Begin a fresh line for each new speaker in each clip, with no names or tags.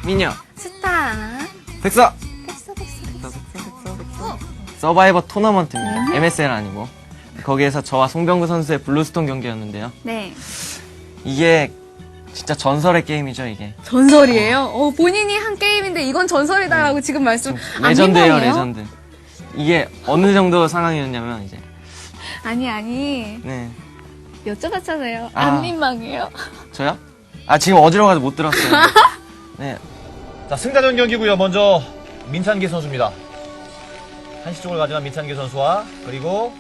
미녀
스타.
백서
됐어.
서바이버 토너먼트입니다. MSL 아니고 거기에서 저와 송병구 선수의 블루스톤 경기였는데요.
네.
이게 진짜 전설의 게임이죠. 이게
전설이에요? 본인이 한 게임인데 이건 전설이다라고 지금 말씀.
레전드예요.
민망해요?
레전드. 이게 어느 정도 상황이었냐면 이제
아니.
네
여쭤봤잖아요.
아.
안 민망해요?
저요? 아 지금 어지러워서 못 들었어요. 네
자, 승자전 경기고요. 먼저 민찬기 선수입니다. 한시 쪽을 가져간 민찬기 선수와 그리고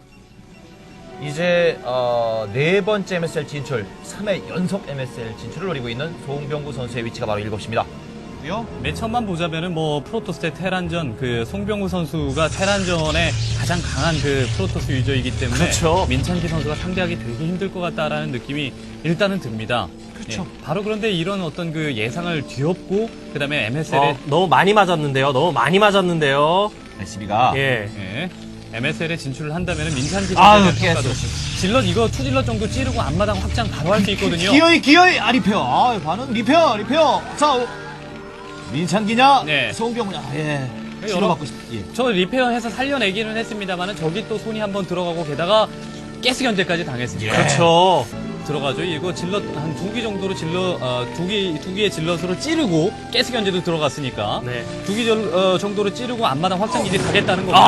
이제 네 번째 MSL 진출, 3회 연속 MSL 진출을 노리고 있는 송병구 선수의 위치가 바로 7시입니다.
맨 처음만 보자면은 뭐 프로토스 대 테란전 그 송병구 선수가 테란전에 가장 강한 그 프로토스 유저이기 때문에
그렇죠.
민찬기 선수가 상대하기 되게 힘들 것 같다라는 느낌이 일단은 듭니다.
그렇죠.
바로 그런데 이런 어떤 그 예상을 뒤엎고 그다음에 MSL에
너무 많이 맞았는데요.
SB가
예.
MSL에 진출을 한다면은 민찬기
아유,
선수의 평가도
깼어.
질럿 이거 투질럿 정도 찌르고 앞마당 확장 바로 할 수 있거든요.
기어이 리페어. 반응 리페어. 자, 민찬기냐?
네.
송병구냐? 예.
여러-
치료받고 싶. 예.
저 리페어해서 살려내기는 했습니다만은 저기 또 손이 한번 들어가고 게다가 가스 견제까지 당했습니다.
그렇죠.
들어가죠. 이거 질럿 한 2기 정도로 두 개의 질럿으로 찌르고 가스 견제도 들어갔으니까
네.
2기 정도로 찌르고 앞마당 확장 기지 가겠다는 거고.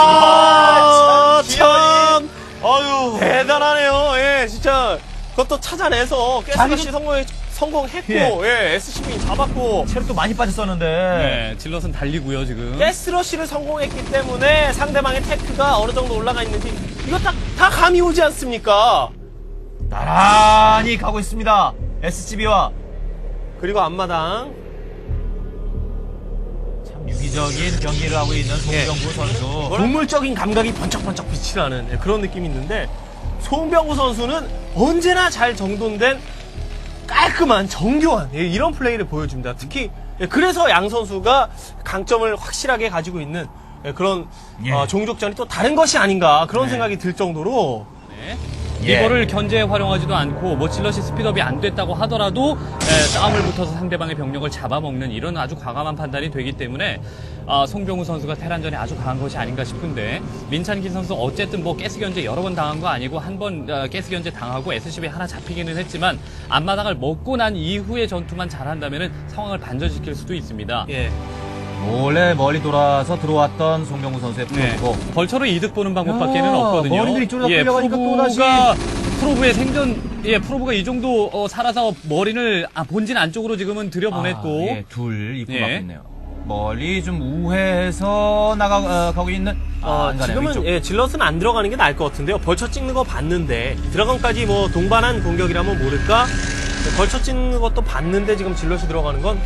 참. 아유. 대단하네요. 예, 진짜. 그것도 찾아내서 가스러시 성공했고, 예, SCP 잡았고.
체력도 많이 빠졌었는데.
네, 질럿은 달리고요 지금.
가스러시를 성공했기 때문에 상대방의 테크가 어느 정도 올라가 있는지 이거 다 감이 오지 않습니까?
나란히 가고 있습니다. SCB와
그리고 앞마당.
참 유기적인 경기를 하고 있는 송병구 선수.
동물적인 감각이 번쩍번쩍 빛이 나는 그런 느낌이 있는데 송병구 선수는 언제나 잘 정돈된 깔끔한 정교한 이런 플레이를 보여줍니다. 특히 그래서 양 선수가 강점을 확실하게 가지고 있는 그런 종족전이 또 다른 것이 아닌가 그런 생각이 들 정도로
네.
예.
이거를 견제에 활용하지도 않고 뭐 질럿이 스피드업이 안 됐다고 하더라도 싸움을 붙어서 상대방의 병력을 잡아먹는 이런 아주 과감한 판단이 되기 때문에 송병우 선수가 테란전에 아주 강한 것이 아닌가 싶은데 민찬기 선수 어쨌든 뭐 가스 견제 여러 번 당한 거 아니고 한 번 가스 견제 당하고 SCB 하나 잡히기는 했지만 앞마당을 먹고 난 이후의 전투만 잘한다면은 상황을 반전시킬 수도 있습니다.
예.
몰래 멀리 돌아서 들어왔던 송병구 선수의
네.
프로고.
벌처로 이득 보는 방법밖에는
야,
없거든요.
머리들이 쫄아 끌려가니까
프로브의 생존, 프로브가 이 정도 살아서 머리를 본진 안쪽으로 지금은 들여보냈고.
예, 둘 입구
예.
막고 있네요. 멀리 좀 우회해서 가고 있는. 안 가네요,
지금은
위쪽.
질럿은 안 들어가는 게 나을 것 같은데요. 벌쳐 찍는 거 봤는데 드라곤까지 뭐 동반한 공격이라면 모를까. 벌쳐 찍는 것도 봤는데 지금 질럿이 들어가는 건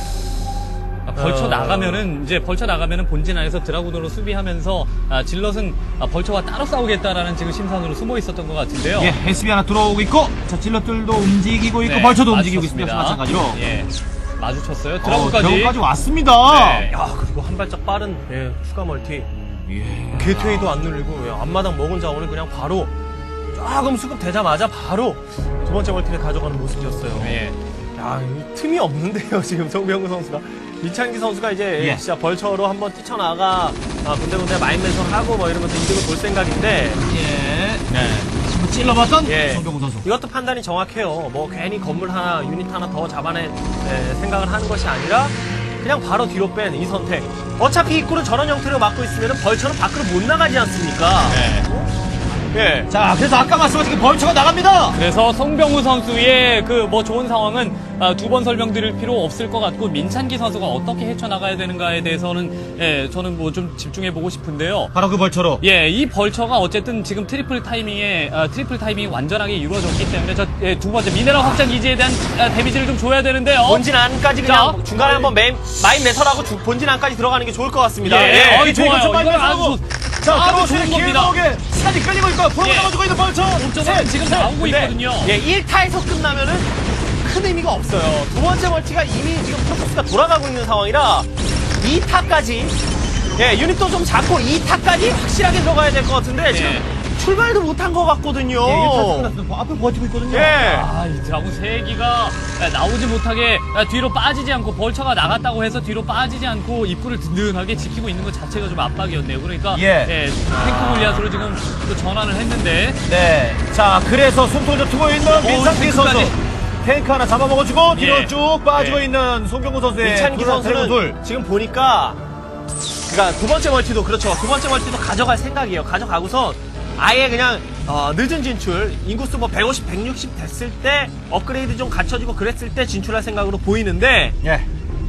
벌쳐 나가면은 본진 안에서 드라군으로 수비하면서 질럿은 벌쳐와 따로 싸우겠다라는 지금 심산으로 숨어 있었던 것 같은데요.
예, SB 하나 들어오고 있고, 자, 질럿들도 움직이고 있고,
네,
벌쳐도 움직이고 있습니다.
마주쳤습니다.
마찬가지로.
예, 마주쳤어요. 드라군까지.
드라군까지 왔습니다.
네.
야 그리고 한 발짝 빠른 추가 멀티
예.
게이트웨이도 안 눌리고 앞마당 먹은 자원을 그냥 바로 조금 수급되자마자 바로 두 번째 멀티를 가져가는 모습이었어요.
예.
야, 이 틈이 없는데요, 지금 송병구 선수가. 민찬기 선수가 이제
예.
진짜 벌처로 한번 뛰쳐나가 군데군데 마인맨션하고 뭐 이러면서 이득을 볼 생각인데
예. 네. 지금 찔러봤던
예.
송병구 선수.
이것도 판단이 정확해요. 뭐 괜히 건물 하나, 유닛 하나 더 잡아낼 생각을 하는 것이 아니라 그냥 바로 뒤로 뺀 이 선택. 어차피 입구를 저런 형태로 막고 있으면 벌처는 밖으로 못 나가지 않습니까?
네.
예.
자, 그래서 아까 말씀하신 그 벌처가 나갑니다.
그래서 송병우 선수의 그 뭐 좋은 상황은 두 번 설명드릴 필요 없을 것 같고 민찬기 선수가 어떻게 헤쳐나가야 되는가에 대해서는 저는 뭐 좀 집중해보고 싶은데요.
바로 그 벌처로.
예, 이 벌처가 어쨌든 지금 트리플 타이밍이 완전하게 이루어졌기 때문에 두 번째 미네랄 확장 기지에 대한 데미지를 좀 줘야 되는데요.
본진 안까지 그냥
자.
중간에 한번 마인 매설하고 본진 안까지 들어가는 게 좋을 것 같습니다.
예,
예.
좋아요.
좀
이건 아주
자,
아주
들어오시는
좋은 겁니다.
길목에 시간이 끌리고 있고, 프로가
예.
잡아주고 있는 벌처.
옥점은 지금 나오고
근데,
있거든요.
예, 1타에서 끝나면은 큰 의미가 없어요. 두 번째 멀티가 이미 지금 프로토스가 돌아가고 있는 상황이라 2타까지 유닛도 좀 잡고 2타까지 확실하게 들어가야 될 것 같은데 지금 출발도 못한 것 같거든요.
예, 1차 끝났어요. 앞에 버티고 있거든요.
예.
아, 이 드라군 3기가 나오지 못하게 뒤로 빠지지 않고 벌처가 나갔다고 해서 뒤로 빠지지 않고 입구를 든든하게 지키고 있는 것 자체가 좀 압박이었네요. 그러니까
예.
탱크 골리앗으로 지금 또 전환을 했는데
네. 자, 그래서 숨통을 트고 있는 민찬기 선수.
탱크까지.
탱크 하나 잡아먹어주고 뒤로
예.
쭉 빠지고
예.
있는 송병구 선수의
민찬기 선수는
둘.
지금 보니까 그러니까 두 번째 멀티도 그렇죠. 두 번째 멀티도 가져갈 생각이에요. 가져가고선 아예 그냥 늦은 진출 인구수 뭐 150, 160 됐을 때 업그레이드 좀 갖춰지고 그랬을 때 진출할 생각으로 보이는데
예.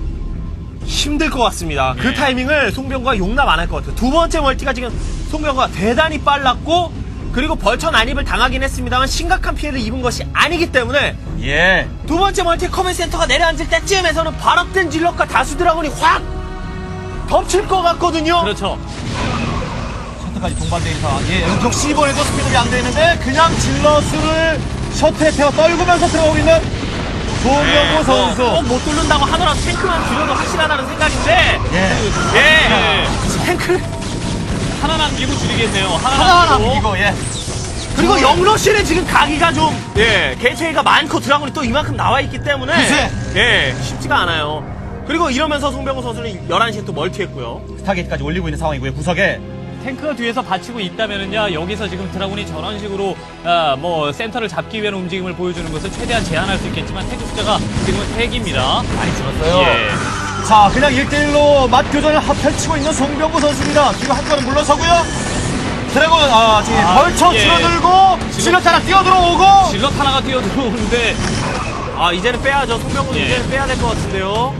힘들 것 같습니다. 그 타이밍을 송병구가 용납 안 할 것 같아요. 두 번째 멀티가 지금 송병구가 대단히 빨랐고 그리고 벌처 난입을 당하긴 했습니다만 심각한 피해를 입은 것이 아니기 때문에
예.
두 번째 멀티 커맨드 센터가 내려앉을 때쯤에서는 발업된 질럿과 다수 드라곤이 확 덮칠 것 같거든요.
그렇죠.
셔틀까지 동반돼 있어. 예. 역시 이번에도 스피드가 안 되는데 그냥 질러스를 셔틀에 태워 떨구면서 들어오고 있는 송병구 선수.
못 뚫는다고 하더라도 탱크만 줄여도 확실하다는 생각인데
예.
예. 탱크
하나 남기고 줄이겠네요.
하나 남기고 예.
그리고 영러시는 지금 가기가 좀 개체가 많고 드라곤이 또 이만큼 나와 있기 때문에
글쎄.
쉽지가 않아요. 그리고 이러면서 송병구 선수는 11시에 또 멀티했고요.
스타게이트까지 올리고 있는 상황이고요. 구석에.
탱크가 뒤에서 받치고 있다면은요, 여기서 지금 드라군이 저런 식으로 뭐 센터를 잡기 위한 움직임을 보여주는 것을 최대한 제한할 수 있겠지만 탱크 숫자가 지금은 3기입니다.
많이 줄었어요.
예.
자, 그냥 1대1로 맞교전을 펼치고 있는 송병구 선수입니다. 뒤로 한 걸음 물러서고요. 드래곤, 지금 벌쳐
예.
줄어들고, 질럿 하나 뛰어들어오고.
질럿 하나가 뛰어들어오는데,
이제는 빼야죠. 송병구는
예.
이제는 빼야 될 것 같은데요.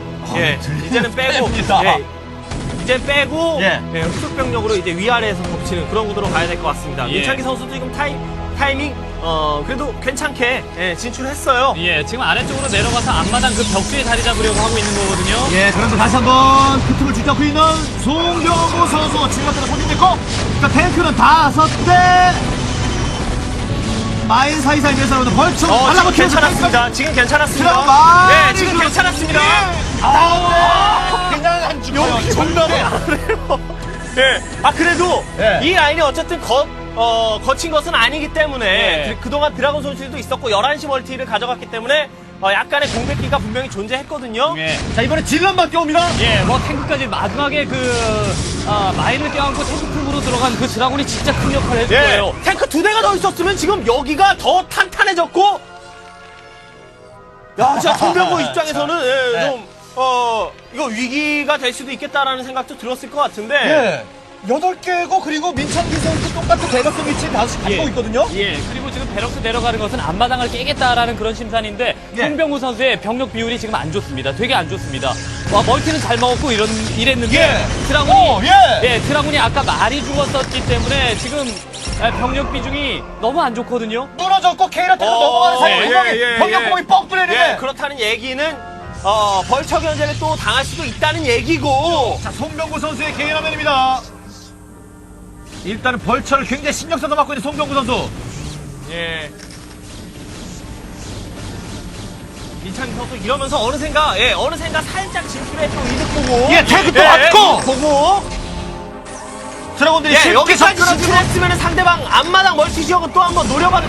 이제는 빼고.
뺍니다.
이제 빼고
예.
후속병력으로 이제 위아래에서 덮치는 그런 구도로 가야 될 것 같습니다.
예.
민찬기 선수도 지금 타이밍 그래도 괜찮게 진출했어요.
예, 지금 아래쪽으로 내려가서 앞마당 그 벽뒤에 자리 잡으려고 하고 있는 거거든요.
예, 그런데 다시 한번 그 틈을 쥐잡고 있는 송병구 선수. 질럿들은 소진됐고, 그러니까 탱크는 5대. 마인 사이사이 내서는 벌쳐
지금 괜찮았습니다. 지금 괜찮았습니다.
들어가.
지금 괜찮았습니다.
그냥 안 죽어요.
정답을 안 해요. 그래도
예.
이 라인이 어쨌든 거친 것은 아니기 때문에
예.
그동안 드라곤 선수들도 있었고 11시 멀티를 가져갔기 때문에 약간의 공백기가 분명히 존재했거든요.
예.
자, 이번에 질럿만 껴옵니다.
예, 뭐 탱크까지 마지막에 마인을 껴안고 탱크 품으로 들어간 그 드라군이 진짜 큰 역할을 해줄 거예요.
탱크 2대가 더 있었으면 지금 여기가 더 탄탄해졌고 진짜 송병구 입장에서는 좀 이거 위기가 될 수도 있겠다라는 생각도 들었을 것 같은데
예. 8개고, 그리고 민찬기 선수 똑같은 대각선 위치에 5시 갖고 있거든요.
예, 그리고 지금 베럭스 내려가는 것은 앞마당을 깨겠다라는 그런 심산인데
예.
송병구 선수의 병력 비율이 지금 안 좋습니다. 되게 안 좋습니다. 멀티는 잘 먹었고 이랬는데
예.
드라군이
예.
드라군이 아까 말이 죽었었기 때문에 지금 병력 비중이 너무 안 좋거든요.
무너졌고, 케이라테로 넘어가는 사이에 병력 공이 뻥 뚫리는데.
그렇다는 얘기는 벌처 견제를 또 당할 수도 있다는 얘기고
자, 송병구 선수의 개인 화면입니다. 일단은 벌처를 굉장히 신경 써서 맡고 있는 송병구 선수.
민찬기 선수 이러면서 어느샌가 살짝 진출했던 이득 보고
예, 태그도 왔고!
보고
드래곤들이
여기까지 진출했으면 상대방 앞마당 멀티 지역은 또 한번 노려봐도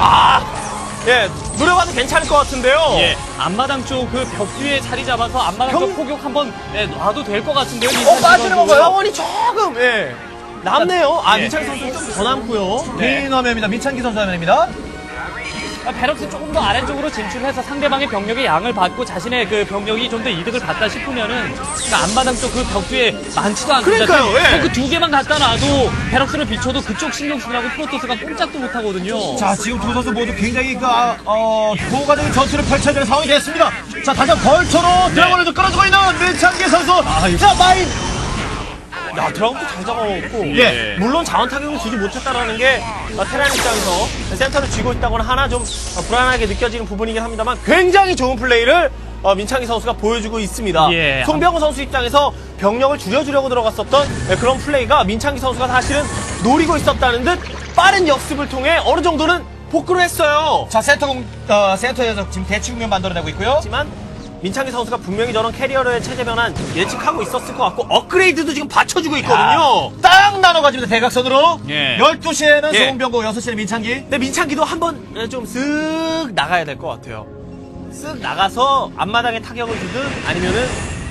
노려봐도 괜찮을 것 같은데요.
예, 앞마당 쪽 그 벽 뒤에 자리 잡아서 앞마당 쪽 포격 한번 놔도 될 것 같은데요.
빠지는 건가요?
자원이 조금 남네요.
예.
민찬기 선수 좀 더 남고요.
개인 화면입니다. 민찬기 선수 화면입니다.
베럭스 조금 더 아래쪽으로 진출해서 상대방의 병력의 양을 받고 자신의 그 병력이 좀 더 이득을 받다 싶으면은 그 앞마당 쪽 그 벽 뒤에 많지도 않습니다.
그러니까요, 예.
그 2개만 갖다 놔도 베럭스를 비춰도 그쪽 신경 쓰느라고 프로토스가 꼼짝도 못 하거든요.
자, 지금 두 선수 모두 굉장히 효과적인 전투를 펼쳐야 되는 상황이 됐습니다. 자, 다시 한번 벌처로 드래곤을 끌어주고 있는 민찬기 선수. 자, 마인.
드라곤도 잘 잡아먹었고
예.
물론 자원 타격을 주지 못했다라는 게 테란 입장에서 센터를 쥐고 있다거나 하나 좀 불안하게 느껴지는 부분이긴 합니다만 굉장히 좋은 플레이를 민창기 선수가 보여주고 있습니다.
예.
송병호 선수 입장에서 병력을 줄여주려고 들어갔었던 그런 플레이가 민창기 선수가 사실은 노리고 있었다는 듯 빠른 역습을 통해 어느 정도는 복구를 했어요.
자, 센터에서 지금 대치국면 만들어내고 있고요.
하지만 민창기 선수가 분명히 저런 캐리어의 체제 변환 예측하고 있었을 것 같고 업그레이드도 지금 받쳐주고 있거든요.
딱 나눠가지고 대각선으로.
예.
12시에는
예.
송병구, 6시에는 민창기.
근데 민창기도 한번 좀 쓱 나가야 될 것 같아요. 쓱 나가서 앞마당에 타격을 주든 아니면은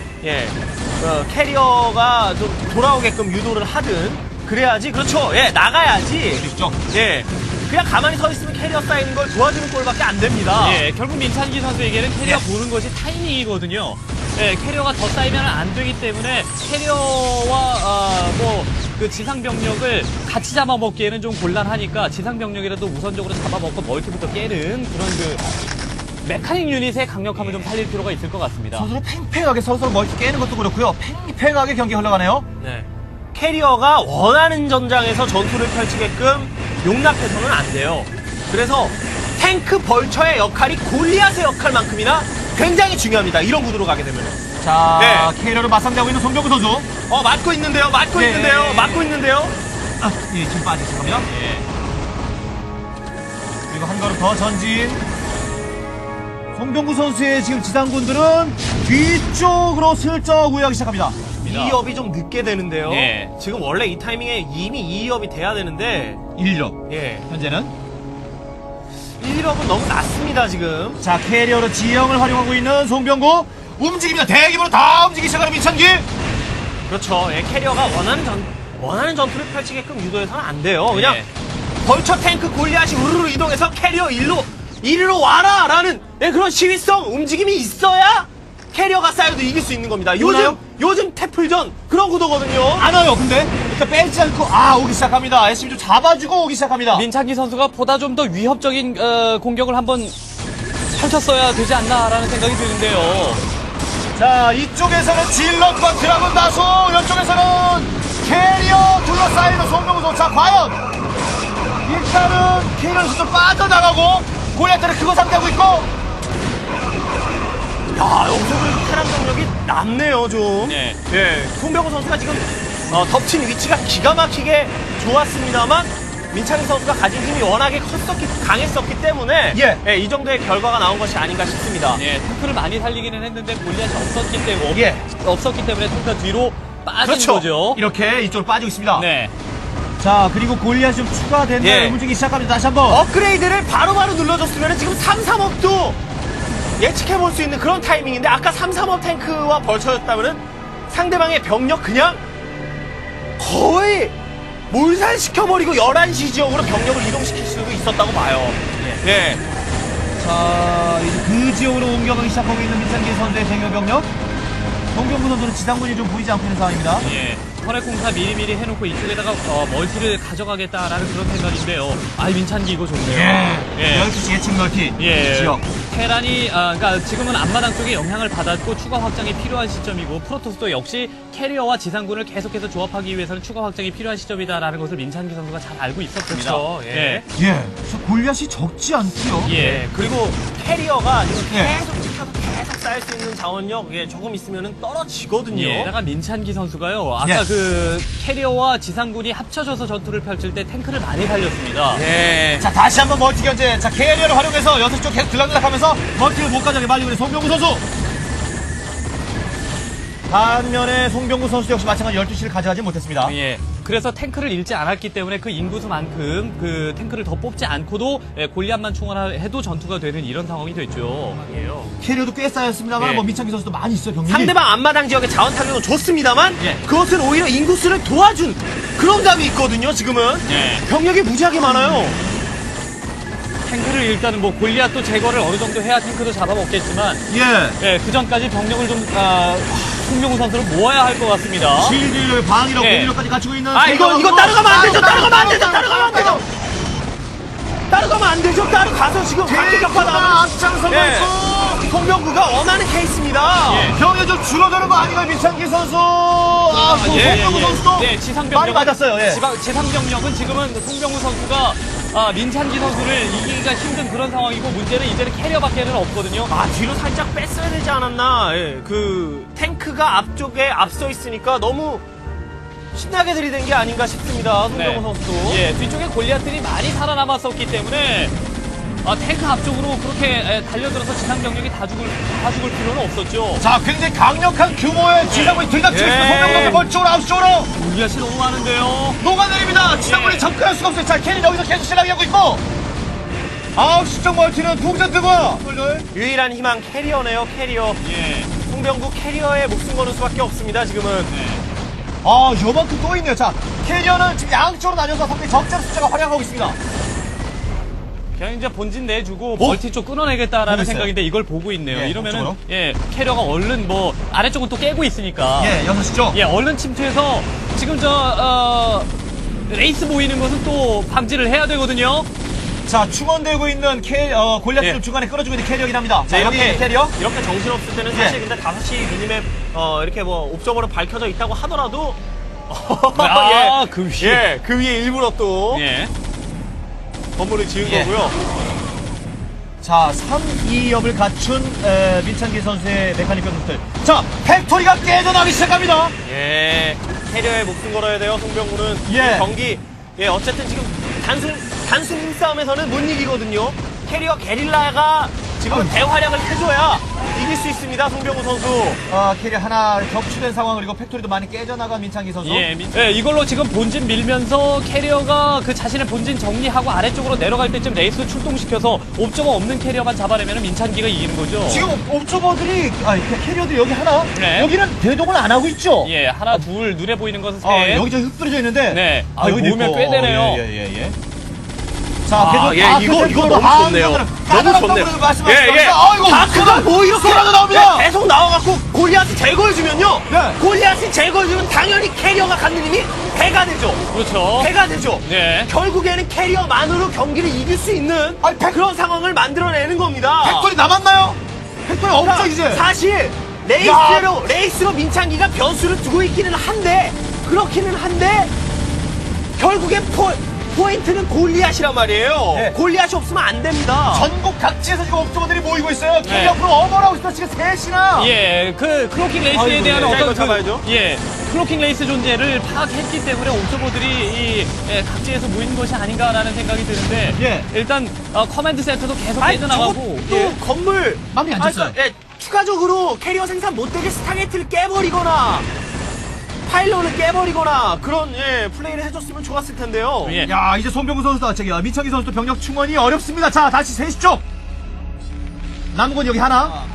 캐리어가 좀 돌아오게끔 유도를 하든 그래야지. 그렇죠. 예, 나가야지.
그렇죠.
예. 그냥 가만히 서 있으면 캐리어 쌓이는 걸 도와주는 꼴밖에 안 됩니다.
예, 결국 민찬기 선수에게는 캐리어 보는 것이 타이밍이거든요. 예, 캐리어가 더 쌓이면 안 되기 때문에 캐리어와 그 지상 병력을 같이 잡아먹기에는 좀 곤란하니까 지상 병력이라도 우선적으로 잡아먹고 멀티부터 깨는 그런 그 메카닉 유닛의 강력함을 좀 살릴 필요가 있을 것 같습니다.
선수는 팽팽하게 서로 멀티 깨는 것도 그렇고요. 팽팽하게 경기 흘러가네요.
네. 캐리어가 원하는 전장에서 전투를 펼치게끔 용납해서는 안 돼요. 그래서 탱크 벌처의 역할이 골리앗의 역할만큼이나 굉장히 중요합니다. 이런 구도로 가게 되면.
자,
네.
캐리어를 맞상대하고 있는 송병구 선수.
맞고 있는데요. 맞고
네.
있는데요. 맞고 있는데요.
아, 예, 지금 빠지기 시작합니다. 그리고 한 걸음 더 전진. 송병구 선수의 지금 지상군들은 뒤쪽으로 슬쩍 우회하기 시작합니다.
2업이 좀 늦게 되는데요.
예.
지금 원래 이 타이밍에 이미 2업이 돼야 되는데
1업.
예.
현재는.
1업은 너무 낮습니다, 지금.
자, 캐리어로 지형을 활용하고 있는 송병구. 움직입니다. 대규모로 다 움직이기 시작하는 민창기.
그렇죠. 예, 캐리어가 원하는 전투를 펼치게끔 유도해서는 안 돼요. 그냥
예.
벌처 탱크 골리앗이 우르르 이동해서 캐리어 이리로 와라! 라는 그런 시위성 움직임이 있어야 캐리어가 쌓여도 이길 수 있는 겁니다.
오나요?
요즘 태플전 그런 구도거든요.
안 와요, 근데. 일단 빼지 않고, 오기 시작합니다. SCB 좀 잡아주고 오기 시작합니다.
민찬기 선수가 보다 좀 더 위협적인 공격을 한번 펼쳤어야 되지 않나라는 생각이 드는데요.
자, 이쪽에서는 질럿과 드라곤 다수, 이쪽에서는 캐리어 둘러싸이는 송병구 선수. 자, 과연 일단은 캐리어에서 좀 빠져나가고 골리앗들은 그거 상대하고 있고.
야, 여기서 그 테란 병력이 남네요, 좀.
네.
예, 송병호 선수가 지금 덮친 위치가 기가 막히게 좋았습니다만 민창희 선수가 가진 힘이 워낙에 강했었기 때문에
예.
이 정도의 결과가 나온 것이 아닌가 싶습니다.
예, 탱크를 많이 살리기는 했는데 골리앗이 없었기 때문에
예.
없었기 때문에 탱크가 뒤로 빠진
그렇죠.
거죠.
이렇게 이쪽으로 빠지고 있습니다.
네.
자, 그리고 골리앗이 좀 추가된
예.
움직이기 시작합니다. 다시 한번.
업그레이드를 바로바로 눌러줬으면 지금 3-3업도 예측해볼 수 있는 그런 타이밍인데 아까 3-3업 탱크와 벌쳐졌다면 상대방의 병력 그냥 거의 몰살시켜버리고 11시 지역으로 병력을 이동시킬 수도 있었다고 봐요. 예.
자, 이제 그 지역으로 옮겨가기 시작하고 있는 민창기 선수의 병력. 송병구 선수는 지상군이 좀 보이지 않고 있는 상황입니다.
예. 혈액 공사 미리미리 해놓고 이쪽에다가 멀티를 가져가겠다라는 그런 생각인데요. 민찬기 이거 좋네요. 예.
12시 예측 멀티 지역.
테란이 그러니까 지금은 앞마당 쪽에 영향을 받았고 추가 확장이 필요한 시점이고 프로토스도 역시 캐리어와 지상군을 계속해서 조합하기 위해서는 추가 확장이 필요한 시점이다라는 것을 민찬기 선수가 잘 알고 있었습니다.
그렇죠. 예.
예. 저 골리앗이 적지 않고요.
예.
그리고 캐리어가 지금
예.
계속 쌓일 수 있는 자원력 조금 있으면 떨어지거든요.
예, 다가 민찬기 선수가요. 아까
예.
그 캐리어와 지상군이 합쳐져서 전투를 펼칠 때 탱크를 많이 살렸습니다.
예.
자, 다시 한번 멀티 견제. 자, 캐리어를 활용해서 6쪽 계속 들락들락하면서 멀티를 못 가져가게 말리고 있는 송병구 선수. 반면에 송병구 선수 역시 마찬가지 12시를 가져가지 못했습니다.
예. 그래서 탱크를 잃지 않았기 때문에 그 인구수만큼 그 탱크를 더 뽑지 않고도 골리앗만 충원해도 전투가 되는 이런 상황이 됐죠.
캐리어도 꽤 쌓였습니다만
예.
뭐 민창기 선수도 많이 있어요, 병력이.
상대방 앞마당 지역의 자원 타격은 좋습니다만
예.
그것은 오히려 인구수를 도와준 그런 감이 있거든요. 지금은
예.
병력이 무지하게 많아요.
탱크를 일단은 뭐 골리앗도 제거를 어느 정도 해야 탱크도 잡아먹겠지만
예.
그 전까지 병력을 좀 송병구 선수를 모아야 할 것 같습니다.
실드 방이력,
예.
공격력까지 갖추고 있는.
이거 따라가면 안 되죠. 따라가면 안 되죠. 따라가면 안 되죠. 따라가면 안 되죠. 따라가서 지금 각기 격파 나오면
앞장서고 있고.
송병구가 원하는 케이스입니다.
예.
병이 좀 줄어드는 거 아닌가요, 민창기 선수? 송병구 선수도
지상병력
많이 맞았어요. 예.
지상병력은 지금은 송병구 선수가 민찬기 선수를 이기기가 힘든 그런 상황이고 문제는 이제는 캐리어밖에는 없거든요.
뒤로 살짝 뺐어야 되지 않았나. 예. 그 탱크가 앞쪽에 앞서 있으니까 너무 신나게 들이댄 게 아닌가 싶습니다. 송병구 선수도.
예, 뒤쪽에 골리앗들이 많이 살아남았었기 때문에 탱크 앞쪽으로 그렇게 달려들어서 지상 병력이 다 죽을 필요는 없었죠.
자, 굉장히 강력한 규모의 지상군이 들이닥치고 있습니다. 송병구 선수 멀쪽으로 아웃쪽으로
골리앗이 너무 많은데요.
녹아내립니다. 지상군이
예.
접근할 수가 없어요. 자, 캐리 여기서 계속 실랑이하고 있고 9시 쪽 멀티는 동전 뜨고요.
유일한 희망 캐리어네요, 캐리어.
예.
송병구 캐리어에 목숨 거는 수밖에 없습니다, 지금은.
요만큼 또 있네요. 자, 캐리어는 지금 양쪽으로 나뉘어서 상당히 적잖은 숫자가 활약하고 있습니다.
그냥 이제 본진 내주고 멀티 쪽 끊어내겠다라는
보고 있어요.
생각인데 이걸 보고 있네요.
예,
이러면은
앞쪽으로.
캐리어가 얼른 뭐 아래쪽은 또 깨고 있으니까.
예, 6시죠.
예, 얼른 침투해서 지금 레이스 보이는 것은 또 방지를 해야 되거든요.
자, 충원되고 있는 골리앗을
예.
중간에 끌어주고 있는 캐리어긴 합니다. 자,
이렇게
여기 캐리어.
이렇게 정신없을 때는 사실 근데 5시 미니맵 이렇게 뭐 옵저버로 밝혀져 있다고 하더라도
그 위에.
예, 그 위에 일부러 또
예.
건물을 지은
예.
거고요.
자, 3-2업을 갖춘 민찬기 선수의 메카닉 변수들. 자, 팩토리가 깨져나기 시작합니다.
예, 캐리어에 목숨 걸어야 돼요, 송병구는.
예.
이 경기, 예, 어쨌든 지금 단순 힘싸움에서는 못 이기거든요. 캐리어 게릴라가 지금 대활약을 해줘야 이길 수 있습니다, 송병구 선수.
캐리어 하나 격추된 상황, 그리고 팩토리도 많이 깨져나간 민찬기 선수.
예, 이걸로 지금 본진 밀면서 캐리어가 그 자신의 본진 정리하고 아래쪽으로 내려갈 때쯤 레이스 출동시켜서 옵저버 없는 캐리어만 잡아내면 민찬기가 이기는 거죠.
지금 옵저버들이, 캐리어들 여기 하나,
네.
여기는 대동을 안 하고 있죠?
예, 하나, 둘, 눈에 보이는 것은 셋.
여기 저 흩어져 있는데.
네.
여기
모으면
있고.
꽤 되네요.
예. 자, 계속
이거 너무 좋네요. 너무 좋네요. 예.
다크가 뭐 이렇게라도 나옵니다.
계속 나와갖고 골리앗을 제거해주면요.
네.
골리앗을 제거해주면 당연히 캐리어가 갖는 힘이 배가 되죠.
그렇죠.
배가 되죠.
네.
결국에는 캐리어만으로 경기를 이길 수 있는 그런 상황을 만들어내는 겁니다.
팩토리 남았나요? 팩토리 없죠, 이제.
사실 레이스로 민창기가 변수를 두고 있기는 한데 그렇기는 한데 결국에 포인트는 골리앗이란 말이에요.
네.
골리앗이 없으면 안 됩니다.
전국 각지에서 지금 옵저버들이 모이고 있어요.
네.
캐리어 앞으로 어머라고 있어, 지금 셋이나.
예, 그 클로킹 레이스에
아이고,
대한
예.
자, 이거
어떤
잡아야죠.
클로킹 레이스 존재를 파악했기 때문에 옵저버들이 각지에서 모이는 것이 아닌가라는 생각이 드는데
예.
일단 커맨드 센터도 계속
아니,
깨져나가고
저것도 건물
마음이 안 찼어요.
추가적으로 캐리어 생산 못되게 스타게이트를 깨버리거나 파일런을 깨버리거나 그런 플레이를 해줬으면 좋았을 텐데요.
예.
야, 이제 손병구 선수도 민창기 선수도 병력 충원이 어렵습니다. 자, 다시 3시 쪽. 남은 건 여기 하나.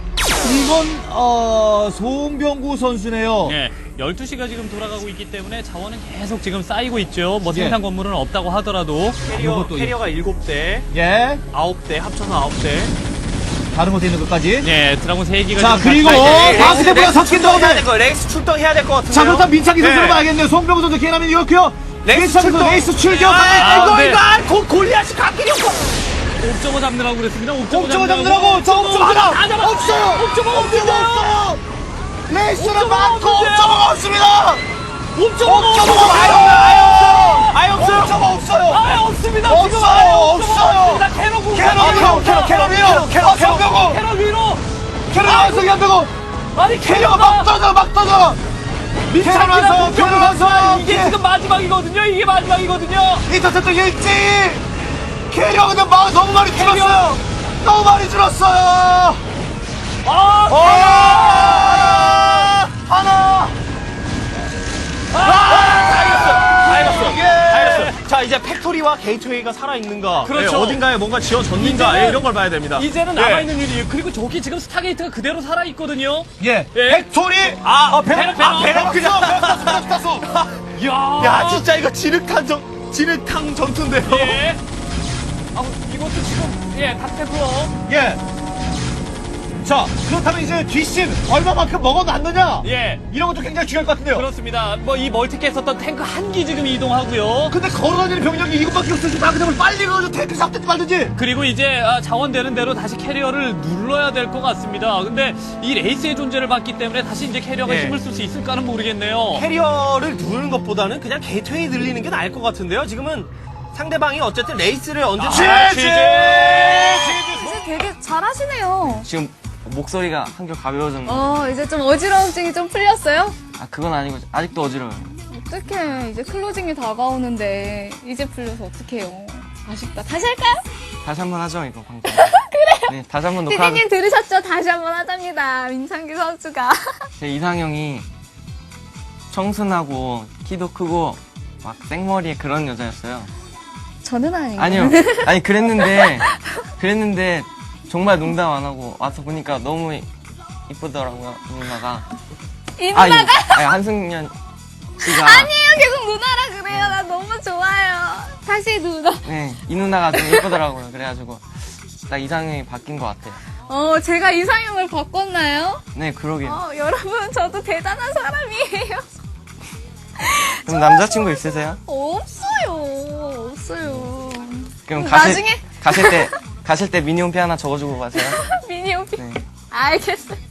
이건 송병구 선수네요.
예, 12시가 지금 돌아가고 있기 때문에 자원은 계속 지금 쌓이고 있죠. 뭐
예.
생산 건물은 없다고 하더라도
캐리어가 7대,
예.
9대, 합쳐서 9대.
다른 곳에 있는 것까지.
예, 드라곤 3기가
자, 그리고 바스켓보다 섞인 들어오네.
레이스 출동해야 될 것 같은데요.
자, 그렇다면 민창기 선수를
네.
봐야겠네요. 송병구 선수 개남이 이렇고요. 민창기 선수 레이스 출격.
이거 골리앗이 갓길이 없고.
옵저버 잡느라고 그랬습니다.
옵저버 잡느라고 저 옵저버 하나 없어요.
옵저버가
없어요. 레이스는 많고
없는데요.
옵저버가 없습니다.
옵저버가
아예 없어요. 옵저버 없어요.
아예 없습니다.
없어요.
지금 아예
없어요.
없습니다. 캐럿 공격.
성병구.
캐럿 위로.
캐럿 완성이 안 되고.
아니
캐럿가 막 떠져. 민창기 선수.
이게 지금 마지막이거든요. 이게 마지막이거든요.
인터셉터 일찍. 캐리어 근데 너무 많이 줄었어요. 너무 많이 줄었어요. 하나.
알겠어. 자, 이제 팩토리와 게이트웨이가 살아있는가.
그렇죠.
어딘가에 뭔가 지어졌는가.
이제는-
이런 걸 봐야 됩니다.
이제는
예.
남아있는 일이에요. 그리고 저기 지금 스타게이트가 그대로 살아있거든요.
예.
예.
팩토리.
배럭.
배럭 그냥 탔어.
야, 진짜 이거 진흙탕 전투인데요.
예. 이것도 지금, 탑테프로.
예. 자, 그렇다면 이제 뒷심 얼마만큼 먹어놨느냐?
예.
이런 것도 굉장히 중요할 것 같은데요.
그렇습니다. 뭐, 이 멀티캐 썼던 탱크 한 기 지금 이동하고요.
근데 걸어다니는 병력이 이것밖에 없으니까 다 그냥 빨리 가서 탱크 잡든지 말든지.
그리고 이제 자원되는 대로 다시 캐리어를 눌러야 될 것 같습니다. 근데 이 레이스의 존재를 봤기 때문에 다시 이제 캐리어가
예.
힘을 쓸 수 있을까는 모르겠네요.
캐리어를 누르는 것보다는 그냥 게이트웨이 늘리는 게 나을 것 같은데요. 지금은 상대방이 어쨌든 레이스를 언제
이제 되게 잘하시네요.
지금 목소리가 한결 가벼워졌는데.
이제 좀 어지러움증이 좀 풀렸어요?
그건 아니고 아직도 어지러워요.
어떡해. 이제 클로징이 다가오는데 이제 풀려서 어떡해요. 아쉽다. 다시 할까요?
다시 한번 하죠, 이거 방송. 그래. 네, 다시 한번 녹화.
피디님 들으셨죠? 다시 한번 하답니다. 민창기 선수가.
제 이상형이 청순하고 키도 크고 막 생머리에 그런 여자였어요.
저는 아니고.
아니요. 아니 그랬는데 정말 농담 안 하고 와서 보니까 너무 이쁘더라고요, 누나가.
이 누나가?
아니, 한승연 씨가.
아니에요. 계속 누나라 그래요. 나 너무 좋아요. 다시 누나.
네, 이 누나가 좀 이쁘더라고요. 그래가지고 딱 이상형이 바뀐 것 같아요.
제가 이상형을 바꿨나요?
네, 그러게요.
여러분, 저도 대단한 사람이에요.
그럼 남자친구 있으세요?
없어요.
그럼
나중에
가실 때 미니홈피 하나 적어주고 가세요.
미니홈피.
네.
알겠어요.